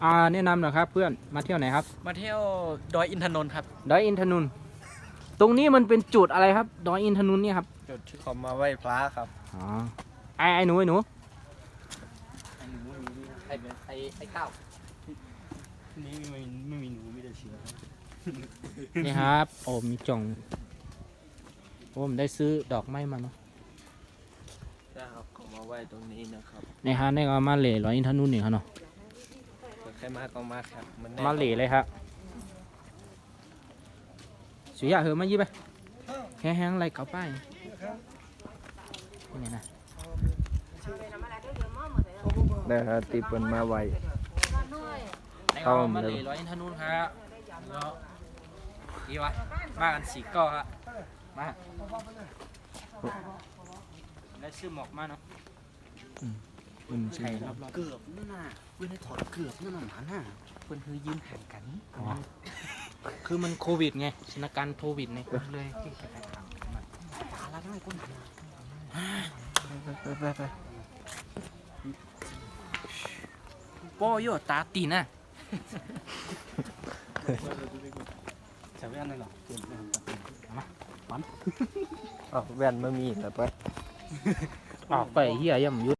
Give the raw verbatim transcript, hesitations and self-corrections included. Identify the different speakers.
Speaker 1: อ่าแนะนำหน่อยครับเพื่อนมาเที่ยวไหนครับ
Speaker 2: มาเที่ยวดอยอินทนนท์ครับ
Speaker 1: ดอยอินทนนท์ตรงนี้มันเป็นจุดอะไรครับดอยอินทนนท์เนี่ยครับ
Speaker 3: จุดที่เขามาไหว้พระครับ
Speaker 1: อ๋อไอ้ไอ้หนูไอ้หนู
Speaker 2: ไอ้หนูไอ้ไอ้ไอ้ข้าว
Speaker 3: นี่ไม่ไม่มีหนูมีแต่เชื้อ
Speaker 1: นี่ครับโอ้มีจ่องโอ้ผมได้ซื้อดอกไม้มาเนาะ
Speaker 3: นะครับเขามาไหว้ตรงนี้นะครับ
Speaker 1: ในฮะนี่ก็มาเหล่ดอยอินทนนท์นี่ครับเนาะ
Speaker 3: ใครมาก็มาครับมันแน่
Speaker 1: มาเหล่เลยครับสุยาเหอะมายี่ไปแห้งๆอะไรเก่าป้ายนี่นะ
Speaker 3: ได้ครับตีเปินมาไหว้
Speaker 1: ในก็มาเหล่ดอยอินทนนท์ครับแล้วดีวะมากันสี่ก้อครับมาได้ซื้อหมอกมาเนาะอืมใช่รอบๆ
Speaker 2: เกือบนั่นน่ะเว้นให้ถอดเกือบนั่นน่ะหมาน่ะเพิ่นคือยืนห่างกัน
Speaker 1: อ๋อคือมันโควิดไงสถานการณ์โควิดไง
Speaker 2: เลยที่จะไปถามมันอะไรนั่งก้นหัว
Speaker 3: ไปไปไป
Speaker 1: โป้โยตาตีน่ะ
Speaker 2: ใช้แว่นได้หรอ
Speaker 3: อ๋อแว่นไม่มีแต่ไป
Speaker 1: ออกไปเฮียย่ำยุด